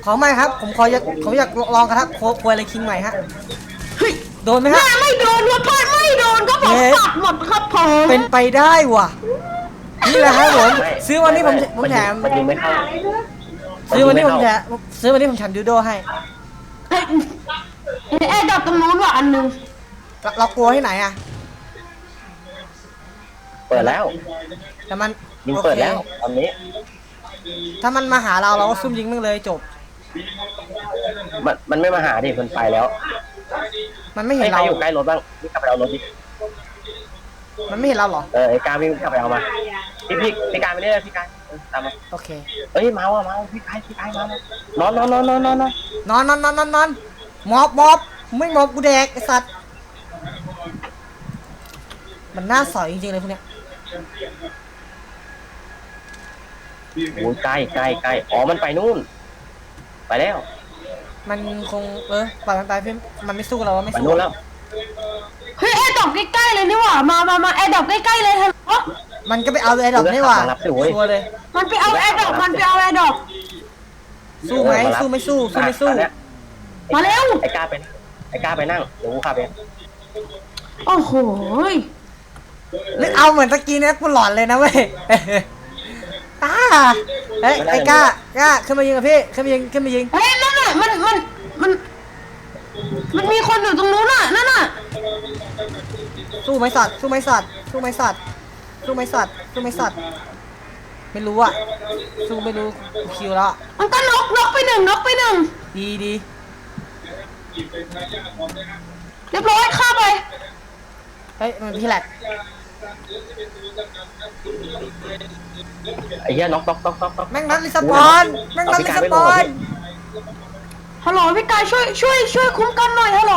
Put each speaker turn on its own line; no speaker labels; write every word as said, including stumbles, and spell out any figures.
ขอไม่ครับผมขออยากผมอยากลองกระทะโคควยอะไรคิงใหม่ฮะโดนไหมฮะ
ไม่โดนครับพ่อไม่โดนก็ผมปัดหมดครับผม
เป็นไปได้ว่ะนี่แหละครับผมซื้อวันนี้ผมผมแถม
มันยิงไม่เข้า
ซื้อวันนี้ผมแถมซื้อวันนี้ผมแถมดิวโดให้
เฮ้ยไอ้ดอกตรงนู้นว่ะอันนึง
เรากลัวที่ไหนอะ
เปิดแล้ว
แต่มัน
ยิงเปิดแล้วตอนนี้
ถ้ามันมาหาเราเราก็ซุ่มยิงมึงเลยจบ
มันมันไม่มาหาดิมันไปแล้ว
มันไม่เห็นเรา
อยู่ใกล้รถบ้างวิ่งกลับไปเอารถดิ
มันไม่เห็นเราหรอ
เออไอ้การวิ่งกลับไปเอามาพี่พี่พี่การไปเรื่อยพี่การตามมา
โอเค
เอ้ยเมาอ่ะเมาพี่การพี่การมานอนนอนนอนนอนนอน
นอนนอนนอนนอนนอนมอบมอบไม่มอบกูแดกไอสัตว์มันน่าสอยจริงๆเลยพวกเนี้ย
โอ้ยใกล้ใกล้ใกล้อ๋อมันไปนู่นไปแล้ว
มันคงเออปล่อยมันไปเพื่อนมันไม่สู้เราไม่
ไป
สู้
นู่นแล้ว
เฮ้ยไอ้ดอกใกล้ๆเลยนี่หว่ามามามาไอ้ดอกใกล้ๆเลยฮัลโหล
มันก็ไปเอาไอ้ดอกนี่หว่าชัวร์เลย
มันไปเอาไอ้ดอกมันไปเอาไอ้ดอก
สู้ไหมสู้ไม่สู้สู้ไม่สู้
มาเร็ว
ไอ้กล้าไปไอ้กล้าไปนั่งเดี๋ยวกูขับเอง
โอ้โห
นึกเอาเหมือนตะกี้เนี่ยกูหลอนเลยนะเว้ยอ้าเฮ้ยไอ้ก้ากล้าขึ้นมายิงกับพี่ขึ้นมายิงขึ้นมายิง
เฮ้ยนั่นน่ะมันมันมันมันมีคนอยู่ตรงนู้นน่ะนั่นน่ะ
สู้ไหมสัตว์สู้ไหมสัตว์สู้ไหมสัตว์สู้ไหมสัตว์สู้ไหมสัตว์ไม่รู้อ่ะสู้ไม่รู้คิวแล้ว
มันก็นกนกไปหนึ่งนกไปหนึ่ง
ดีดี
เรียบร้อยฆ่าไป
เฮ้ยมันพี่แหลก
ไอ้เหี้ยน็อกน็อกน็อกน็อกน็อก
แม่งนัดลิสปอนแม่งนัดลิสปอน
ฮัลโหลพี่กายช่วยช่วยช่วยคุ้มกันหน่อยฮัลโหล